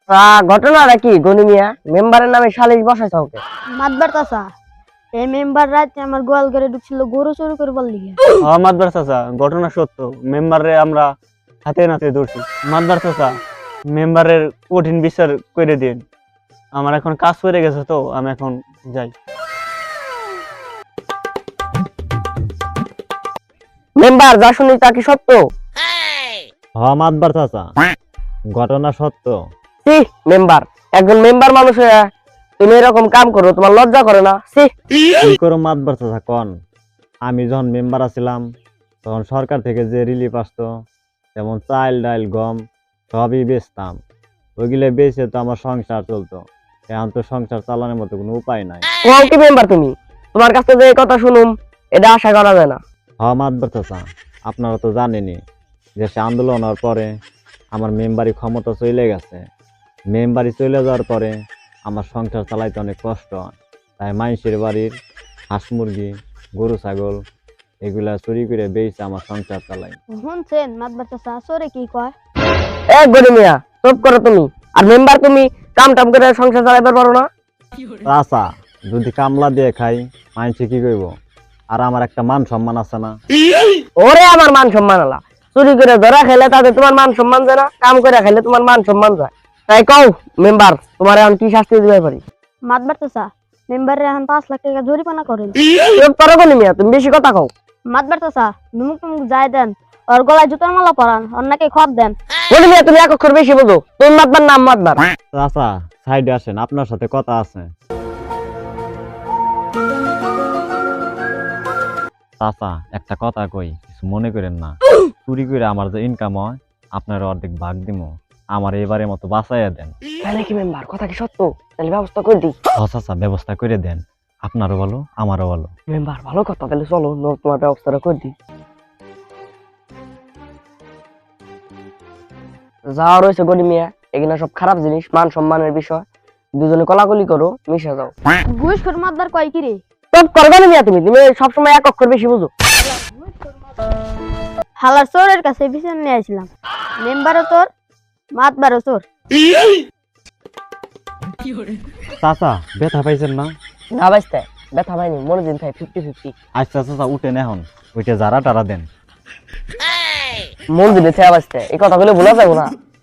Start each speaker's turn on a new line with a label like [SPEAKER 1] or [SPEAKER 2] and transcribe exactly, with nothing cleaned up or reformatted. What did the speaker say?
[SPEAKER 1] ঘটনাটা কি গনি মিয়া? মেম্বারের নামে সালিশ বসাইছ ওকে?
[SPEAKER 2] মাতবার চাচা, এই মেম্বার রাতে আমার গোয়াল ঘরে ঢুকছিল গরু চুরি করবার লিগে।
[SPEAKER 3] হ্যাঁ মাতবার চাচা, ঘটনা সত্য। মেম্বারে আমরা হাতে নাতে ধরছি। মাতবার চাচা, মেম্বারের কঠিন বিচার করে দিন। আমার এখন কাজ করে গেছে, তো আমি এখন যাই।
[SPEAKER 1] মেম্বার যা শুনি তা কি সত্য?
[SPEAKER 4] হ্যাঁ মাতবার চাচা, ঘটনা সত্য।
[SPEAKER 1] সি মেম্বার, একজন মেম্বার মানুষ হয়ে তুমি এরকম কাম করো, তোমার লজ্জা করে না? সি
[SPEAKER 4] কি করো মাতবার চাচা কন? আমি যখন মেম্বার আছিলাম তখন সরকার থেকে যে রিলিফ আসতো, যেমন চাল ডাল গম সবই বেচতাম। ওইগুলো বেচে তো আমার সংসার চলতো। এখন তো সংসার চালানোর মতো কোনো উপায় নাই।
[SPEAKER 1] কোন কি মেম্বার তুমি? তোমার কাছে যে এই কথা শুনুম, এটা আশা করা যায় না।
[SPEAKER 4] হ্যাঁ মাতবার চাচা, আপনারা তো জানেনই যে সে আন্দোলন হওয়ার পরে আমার মেম্বারি ক্ষমতা চলে গেছে। মেম্বারি চলে যাওয়ার পরে আমার সংসার চালাইতে অনেক কষ্ট হয়। তাই মানুষের বাড়ির হাঁস মুরগি গরু ছাগল এগুলা চুরি করে বেচে আমার সংসার চালাই।
[SPEAKER 2] শুনছেন মাতবার চাচা সরে কি কয়?
[SPEAKER 1] এ গনি মিয়া, চুপ করো তুমি। আর মেম্বার তুমি কাম টাম করে সংসার চালাইতে পারো না?
[SPEAKER 4] চাচা, যদি কামলা দিয়ে খাই মানুষে কি কইব? আর আমার একটা মান সম্মান আছে না?
[SPEAKER 1] ওরে আমার মান সম্মান আলা, চুরি করে ধরা খেলে তাতে তোমার মান সম্মান যায় না? কাম করে খেলে তোমার মান সম্মান যায়। তাই কও মেম্বার, তোমার এখন কি শাস্তি দিতে পারি?
[SPEAKER 2] মাতবার চাচা, মেম্বারের এখন পাঁচ লাখ টাকা জরিমানা করেন।
[SPEAKER 1] চুপ করো গনি মিয়া, তুমি বেশি কথা কও।
[SPEAKER 2] মাতবার চাচা, ধুমুক টুমুক যাই দেন, ওর গলায় জুতার মালা পরান, ওর নাকি খত দেন।
[SPEAKER 1] গনি মিয়া, তুমি এক অক্ষর বেশি বোঝো। তুমি মাতবার নাম মাতবার।
[SPEAKER 4] চাচা সাইডে আসেন, আপনার সাথে কথা আছে। চাচা একটা কথা কই, কিছু মনে করেন না। চুরি করে আমার যে ইনকাম হয় আপনার অর্ধেক ভাগ দিমু। আমার এবারের মতো বাঁচাইয়া দেন।
[SPEAKER 1] তাই নাকি মেম্বার? কথা কি সত্য? তাহলে ব্যবস্থা করে দিই।
[SPEAKER 4] হ্যাঁ চাচা, ব্যবস্থা করে দেন। আপনারও বলো আমারও বলো।
[SPEAKER 1] মেম্বার ভালো কথা, তাহলে চলো ন- তোমার ব্যবস্থাটা করে দিই। যা রয়েছে গনি মিয়া, এগুলা সব খারাপ জিনিস, মান সম্মানের বিষয়। দুজনে কলাকলি করো, মিশে যাও।
[SPEAKER 2] ঘুষ করে মাতবার কয় কি রে?
[SPEAKER 1] চুপ করো গনি মিয়া, তুমি তুমি সবসময় এক অক্ষর বেশি বুঝো।
[SPEAKER 2] হালার চোরের কাছে বিচার নিয়ে আসলাম। মেম্বারও চোর, মাতবারও চোর।
[SPEAKER 4] চাচা ব্যথা পাইছেন না?
[SPEAKER 1] না বাঁচতে ব্যথা পাইনি, মনে দিন খাই ফিফটি ফিফটি।
[SPEAKER 4] আচ্ছা চাচা উঠেন, এখন ওইটা যারা টারা দেন।
[SPEAKER 1] মন দিলে বাঁচতে, এই কথা বলে ভোলা যাবো না।